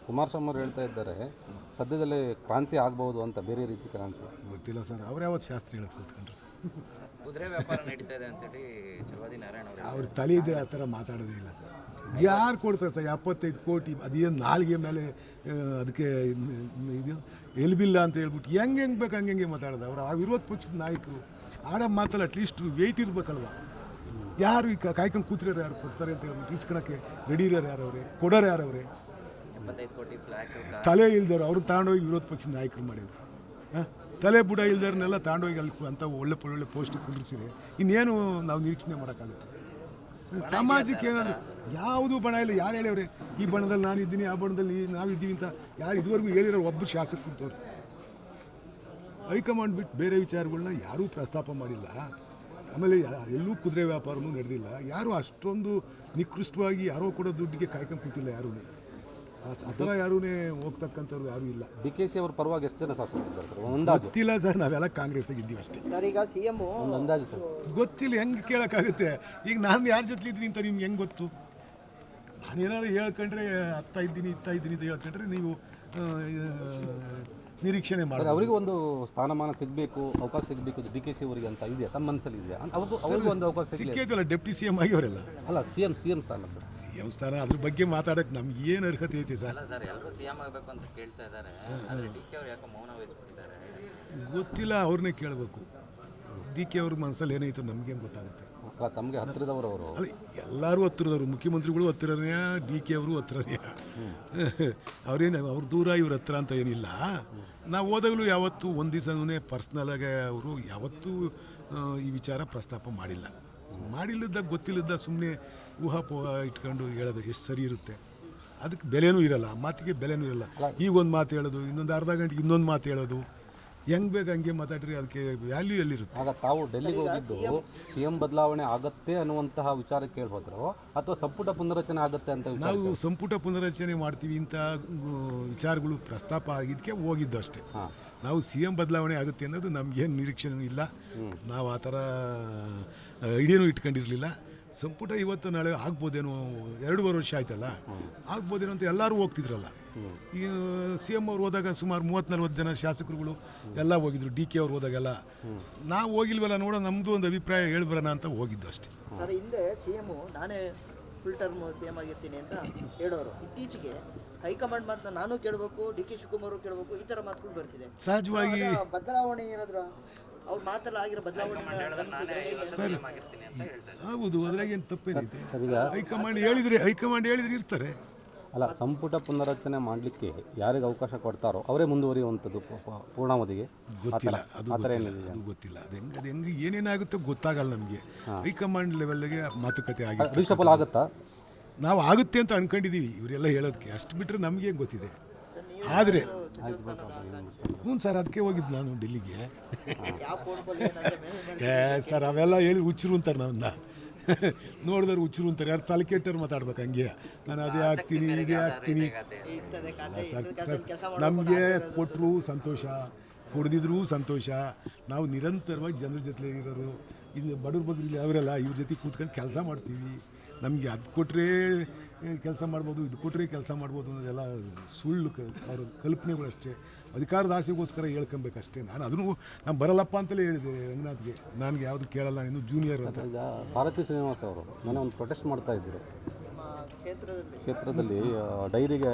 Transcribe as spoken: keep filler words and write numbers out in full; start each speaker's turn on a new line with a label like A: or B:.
A: ಕುಮಾರಸ್ವಾಮಿ ಅವರು ಹೇಳ್ತಾ ಇದ್ದಾರೆ ಸದ್ಯದಲ್ಲೇ ಕ್ರಾಂತಿ ಆಗ್ಬಹುದು ಅಂತ. ಬೇರೆ ರೀತಿ ಕ್ರಾಂತಿ
B: ಗೊತ್ತಿಲ್ಲ ಸರ್. ಅವ್ರು ಯಾವತ್ತು ಶಾಸ್ತ್ರಿ ಹೇಳಕ್ ಕೂತ್ಕೊಂಡ್ರು ಸರ್.
C: ಕುದುರೆ ವ್ಯಾಪಾರ ನಡೀತಾ ಇದೆ ಅಂತೇಳಿ ಜವಾದಿ ನಾರಾಯಣ ಅವರು
B: ಅವ್ರ ತಲೆ ಇದ್ರೆ ಆ ಥರ ಮಾತಾಡೋದೇ ಇಲ್ಲ ಸರ್. ಯಾರು ಕೊಡ್ತಾರೆ ಸರ್ ಎಪ್ಪತ್ತೈದು ಕೋಟಿ? ಅದೇನು ನಾಲ್ಗೆ ಮೇಲೆ ಆ, ಅದಕ್ಕೆ ಇದು ಎಲ್ಬಿಲ್ಲ ಅಂತ ಹೇಳ್ಬಿಟ್ಟು ಹೆಂಗೆ ಹೆಂಗೆ ಬೇಕು ಹಂಗೆ ಹೆಂಗೆ ಮಾತಾಡೋದು. ಅವರು ಆ ವಿರೋಧ ಪಕ್ಷದ ನಾಯಕರು ಆಡೋ ಮಾತಲ್ಲ ಅಟ್ಲೀಸ್ಟ್ ವೆಯ್ಟ್ ಇರಬೇಕಲ್ವ. ಯಾರು ಈಗ ಕಾಯ್ಕೊಂಡು ಕೂತಿರೋರು ಯಾರು ಕೊಡ್ತಾರೆ ಅಂತ ಹೇಳ್ಬಿಟ್ಟು ಇಸ್ಕೊಳಕ್ಕೆ ರೆಡಿ ಇರೋರು ಯಾರವ್ರೆ, ಕೊಡೋರು ಯಾರವ್ರೆ?
C: ಎಪ್ಪತ್ತೈದು ಕೋಟಿ ಫ್ಲಾಟ್
B: ತಲೆ ಇಲ್ದವ್ರು ಅವ್ರು ತಗೊಂಡೋಗಿ ವಿರೋಧ ಪಕ್ಷದ ನಾಯಕರು ಮಾಡಿದ್ರು. ಹಾಂ, ತಲೆ ಬುಡ ಇಲ್ದವ್ರನ್ನೆಲ್ಲ ತಗೊಂಡೋಗಿ ಅಲ್ಲಿ ಅಂತ ಒಳ್ಳೆ ಒಳ್ಳೆ ಪೋಸ್ಟ್ ಕುಂಡ್ರಿಸಿದೆ. ಇನ್ನೇನು ನಾವು ನಿರೀಕ್ಷಣೆ ಮಾಡೋಕ್ಕಾಗುತ್ತೆ? ಸಮಾಜಕ್ಕೆ ಏನಾದರೂ ಯಾವುದು ಬಣ ಇಲ್ಲ. ಯಾರು ಹೇಳ್ಯವ್ರೆ ಈ ಬಣದಲ್ಲಿ ನಾನು ಇದ್ದೀನಿ, ಆ ಬಣದಲ್ಲಿ ನಾವಿದ್ದೀವಿ ಅಂತ? ಯಾರು ಇದುವರೆಗೂ ಹೇಳಿರೋ ಒಬ್ಬರು ಶಾಸಕರು ತೋರಿಸಿ. ಹೈಕಮಾಂಡ್ ಬಿಟ್ಟು ಬೇರೆ ವಿಚಾರಗಳನ್ನ ಯಾರೂ ಪ್ರಸ್ತಾಪ ಮಾಡಿಲ್ಲ. ಆಮೇಲೆ ಎಲ್ಲೂ ಕುದುರೆ ವ್ಯಾಪಾರನೂ ನಡೆದಿಲ್ಲ. ಯಾರೂ ಅಷ್ಟೊಂದು ನಿಕೃಷ್ಟವಾಗಿ ಯಾರೋ ಕೊಡೋ ದುಡ್ಡಿಗೆ ಕಾಯ್ಕೊಂಡು ಕೂತಿಲ್ಲ ಯಾರೂ. ಆ ಥರ ಯಾರೂ ಹೋಗ್ತಕ್ಕಂಥವ್ರು ಯಾರೂ ಇಲ್ಲ.
A: ಡಿ ಕೆ ಸಿ ಅವ್ರ ಪರವಾಗಿ ಎಷ್ಟು ಜನ ಶಾಸಕರಿದ್ದಾರೆ ಸರ್? ಒಂದು ಅಂದಾಜು
B: ಗೊತ್ತಿಲ್ಲ ಸರ್. ನಾವೆಲ್ಲ ಕಾಂಗ್ರೆಸ್ಸಿಗೆ ಇದ್ದೀವಿ ಅಷ್ಟೇ.
D: ಈಗ ಸಿ ಎಮ್
A: ಒಂದು ಅಂದಾಜು ಸರ್
B: ಗೊತ್ತಿಲ್ಲ. ಹೆಂಗೆ ಕೇಳೋಕ್ಕಾಗುತ್ತೆ? ಈಗ ನಾನು ಯಾರ ಜೊತೆ ಇದ್ದೀನಿ ಅಂತ ನಿಮ್ಗೆ ಹೆಂಗೆ ಗೊತ್ತು? ನಾನೇನಾದ್ರು ಹೇಳ್ಕೊಂಡ್ರೆ ಅತ್ತ ಇದ್ದೀನಿ ಇತ್ತ ಇದ್ದೀನಿ ಅಂತ ಹೇಳ್ಕೊಂಡ್ರೆ ನೀವು ಆ, ನಿರೀಕ್ಷಣೆ ಮಾಡಿ.
A: ಅವರಿಗೆ ಒಂದು ಸ್ಥಾನಮಾನ ಸಿಗಬೇಕು, ಅವಕಾಶ ಸಿಗಬೇಕು ಡಿ ಕೆ ಸಿ ಅವರಿಗೆ ಅಂತ ಇದೆಯಾ ತಮ್ಮ ಮನಸ್ಸಲ್ಲಿ ಇದೆಯಾ? ಅವ್ರಿಗೂ ಅವ್ರಿಗೂ ಒಂದು ಅವಕಾಶ ಸಿಗಲಿ.
B: ಸಿಕ್ಕೈತಲ್ಲ ಡೆಪ್ಟಿ ಸಿ ಎಮ್ ಆಗಿವರೆಲ್ಲ.
A: ಅಲ್ಲ, ಸಿ ಎಂ ಸಿ ಎಂ ಸ್ಥಾನ
B: ಸಿ ಎಮ್ ಸ್ಥಾನ ಅದ್ರ ಬಗ್ಗೆ ಮಾತಾಡೋಕ್ಕೆ ನಮ್ಗೆ ಏನು ಅರ್ಹತೆ ಐತೆ ಸರ್?
C: ಅಲ್ಲ ಸರ್, ಎಲ್ಲರೂ ಸಿ ಎಂ ಆಗಬೇಕು ಅಂತ ಕೇಳ್ತಾ ಇದ್ದಾರೆ. ಆದರೆ ಡಿ ಕೆ ಅವರು ಯಾಕೋ ಮೌನ ವಹಿಸ್ಬಿಟ್ಟಿದ್ದಾರೆ.
B: ಗೊತ್ತಿಲ್ಲ, ಅವ್ರನ್ನೇ ಕೇಳಬೇಕು. ಡಿ ಕೆ ಅವ್ರ ಮನಸ್ಸಲ್ಲಿ ಏನೈತೆ ನಮಗೇನು ಗೊತ್ತಾಗುತ್ತೆ?
A: ಅಲ್ಲ, ತಮಗೆ ಹತ್ತಿರದವರು ಅವರು.
B: ಅಲ್ಲ, ಎಲ್ಲರೂ ಹತ್ತಿರದವರು. ಮುಖ್ಯಮಂತ್ರಿಗಳು ಹತ್ತಿರನೇ, ಡಿ ಕೆ ಅವರು ಹತ್ತಿರನೇ. ಅವ್ರೇನು ಅವ್ರ ದೂರ ಇವ್ರ ಹತ್ರ ಅಂತ ಏನಿಲ್ಲ. ನಾವು ಹೋದಾಗಲೂ ಯಾವತ್ತೂ ಒಂದು ದಿವಸನೇ ಪರ್ಸ್ನಲಾಗೆ ಅವರು ಯಾವತ್ತೂ ಆ, ಈ ವಿಚಾರ ಪ್ರಸ್ತಾಪ ಮಾಡಿಲ್ಲ. ಮಾಡಿಲ್ಲದಾಗ ಗೊತ್ತಿಲ್ಲದ ಸುಮ್ಮನೆ ಊಹಾಪೋಹ ಇಟ್ಕೊಂಡು ಹೇಳೋದು ಎಷ್ಟು ಸರಿ ಇರುತ್ತೆ? ಅದಕ್ಕೆ ಬೆಲೆನೂ ಇರಲ್ಲ, ಮಾತಿಗೆ ಬೆಲೆನೂ ಇರಲ್ಲ. ಈಗ ಒಂದು ಮಾತು ಹೇಳೋದು, ಇನ್ನೊಂದು ಅರ್ಧ ಗಂಟೆಗೆ ಇನ್ನೊಂದು ಮಾತು ಹೇಳೋದು, ಹೆಂಗೆ ಬೇಕು ಹಂಗೆ ಮಾತಾಡ್ರಿ. ಅದಕ್ಕೆ ವ್ಯಾಲ್ಯೂ ಎಲ್ಲಿರುತ್ತೆ?
A: ಆಗ ತಾವು ಡೆಲ್ಲಿಗೆ ಹೋಗಿದ್ದು ಸಿ ಎಂ ಬದಲಾವಣೆ ಆಗತ್ತೆ ಅನ್ನುವಂತಹ ವಿಚಾರ ಕೇಳ್ಬೋದ್ರು, ಅಥವಾ ಸಂಪುಟ ಪುನರಚನೆ ಆಗುತ್ತೆ ಅಂತ ವಿಚಾರ?
B: ನಾವು ಸಂಪುಟ ಪುನರಚನೆ ಮಾಡ್ತೀವಿ ಇಂಥ ವಿಚಾರಗಳು ಪ್ರಸ್ತಾಪ ಆಗಿದ್ದಕ್ಕೆ ಹೋಗಿದ್ದು ಅಷ್ಟೇ. ನಾವು ಸಿ ಎಂ ಬದಲಾವಣೆ ಆಗುತ್ತೆ ಅನ್ನೋದು ನಮಗೇನು ನಿರೀಕ್ಷೆನೂ ಇಲ್ಲ. ನಾವು ಆ ಥರ ಐಡಿಯಾನೂ ಇಟ್ಕೊಂಡಿರಲಿಲ್ಲ. ಸಂಪುಟ ಇವತ್ತು ನಾಳೆ ಆಗ್ಬೋದೇನೋ, ಎರಡೂವರೆ ವರ್ಷ ಆಯ್ತಲ್ಲ, ಆಗ್ಬೋದೇನೋ ಅಂತ ಎಲ್ಲರೂ ಹೋಗ್ತಿದ್ರಲ್ಲ. ಈ ಸಿ ಎಮ್ ಅವ್ರು ಹೋದಾಗ ಸುಮಾರು ಮೂವತ್ತು ನಲ್ವತ್ತು ಜನ ಶಾಸಕರುಗಳು ಎಲ್ಲ ಹೋಗಿದ್ರು. ಡಿ ಕೆ ಅವ್ರು ಹೋದಾಗೆಲ್ಲ ನಾವು ಹೋಗಿಲ್ವಲ್ಲ, ನೋಡೋ ನಮ್ಮದು ಒಂದು ಅಭಿಪ್ರಾಯ ಹೇಳ್ಬರೋಣ ಅಂತ ಹೋಗಿದ್ದು ಅಷ್ಟೇ.
D: ಸರ್, ಹಿಂದೆ ಸಿ ಎಮ್ ನಾನೇ ಫುಲ್ ಟರ್ಮ್ ಸಿ ಎಮ್ ಆಗಿರ್ತೀನಿ ಅಂತ ಹೇಳೋರು. ಇತ್ತೀಚೆಗೆ ಹೈಕಮಾಂಡ್ ಮಾತನ್ನ ನಾನು ಕೇಳಬೇಕು, ಡಿ ಕೆ ಶಿವಕುಮಾರ್ ಅವರು ಕೇಳಬೇಕು, ಈ ಥರ ಮಾತುಗಳು ಬರ್ತಿದೆ.
B: ಸಹಜವಾಗಿ
D: ಬದಲಾವಣೆ ಏನಾದ್ರು ಅವ್ರ ಮಾತಲ್ಲ ಆಗಿರೋ ಬದಲಾವಣೆ
B: ಸರಿ ಹೌದು, ಅದ್ರಾಗೇನು ತಪ್ಪೇನೈತೆ? ಹೈಕಮಾಂಡ್ ಹೇಳಿದ್ರೆ ಹೈಕಮಾಂಡ್ ಹೇಳಿದ್ರೆ ಇರ್ತಾರೆ.
A: ಅಲ್ಲ, ಸಂಪುಟ ಪುನರಚನೆ ಮಾಡಲಿಕ್ಕೆ ಯಾರಿಗೆ ಅವಕಾಶ ಕೊಡ್ತಾರೋ ಅವರೇ ಮುಂದುವರಿಯುವಂಥದ್ದು ಪೂರ್ಣಾವಧಿಗೆ.
B: ಗೊತ್ತಿಲ್ಲ, ಅದು ಗೊತ್ತಿಲ್ಲ, ಅದು ಗೊತ್ತಿಲ್ಲ. ಅದು ಹೆಂಗೆ ಅದು ಹೆಂಗೆ ಏನೇನಾಗುತ್ತೋ ಗೊತ್ತಾಗಲ್ಲ ನಮಗೆ. ಹೈಕಮಾಂಡ್ ಲೆವೆಲ್ಗೆ ಮಾತುಕತೆ ಆಗಿದೆ.
A: ರೀಶಫಲ್ ಆಗುತ್ತಾ?
B: ನಾವು ಆಗುತ್ತೆ ಅಂತ ಅನ್ಕೊಂಡಿದ್ದೀವಿ ಇವರೆಲ್ಲ ಹೇಳೋದಕ್ಕೆ. ಅಷ್ಟು ಬಿಟ್ಟರೆ ನಮಗೆ ಗೊತ್ತಿದೆ. ಆದರೆ ಹ್ಞೂ ಸರ್, ಅದಕ್ಕೆ ಹೋಗಿದ್ದು ನಾನು ಡೆಲ್ಲಿಗೆ. ಏ ಸರ್, ಅವೆಲ್ಲ ಹೇಳಿ ಹುಚ್ಚರು ಅಂತಾರೆ ನನ್ನ. ನೋಡಿದವ್ರು ಹುಚ್ಚರು ಅಂತಾರೆ. ಯಾರು ತಲೆ ಕೆಟ್ಟವ್ರು ಮಾತಾಡ್ಬೇಕು ಹಂಗೆ. ನಾನು ಅದೇ ಆಗ್ತೀನಿ ಇದೇ ಆಗ್ತೀನಿ. ಸರ್ ಸರ್ ನಮಗೆ ಕೊಟ್ಟರು ಸಂತೋಷ, ಕೊಡದಿದ್ರೂ ಸಂತೋಷ. ನಾವು ನಿರಂತರವಾಗಿ ಜನರ ಜೊತೆ ಇರೋರು. ಇದು ಬಡವ್ರ ಬಗ್ಗೆ ಅವರೆಲ್ಲ ಇವ್ರ ಜೊತೆ ಕೂತ್ಕೊಂಡು ಕೆಲಸ ಮಾಡ್ತೀವಿ. ನಮಗೆ ಅದು ಕೊಟ್ಟರೆ ಕೆಲಸ ಮಾಡ್ಬೋದು, ಇದು ಕೊಟ್ಟರೆ ಕೆಲಸ ಮಾಡ್ಬೋದು ಅನ್ನೋದೆಲ್ಲ ಸುಳ್ಳು ಕ ಅವ್ರ ಕಲ್ಪನೆಗಳು ಅಷ್ಟೇ. ಅಧಿಕಾರದ ಆಸೆಗೋಸ್ಕರ ಹೇಳ್ಕೊಬೇಕಷ್ಟೇ. ನಾನು ಅದನ್ನು ನಾನು ಬರಲ್ಲಪ್ಪ ಅಂತಲೇ ಹೇಳಿದೆ ರಂಗನಾಥ್ಗೆ. ನನಗೆ ಯಾವುದು ಕೇಳಲ್ಲ, ಇನ್ನು ಜೂನಿಯರ್ ಅಂತ.
A: ಈಗ ಭಾರತೀ ಶ್ರೀನಿವಾಸ್ ಅವರು ಮೊನ್ನೆ ಒಂದು ಪ್ರೊಟೆಸ್ಟ್ ಮಾಡ್ತಾ ಇದ್ದರು
D: ಕ್ಷೇತ್ರದಲ್ಲಿ
A: ಕ್ಷೇತ್ರದಲ್ಲಿ ಡೈರಿಗೆ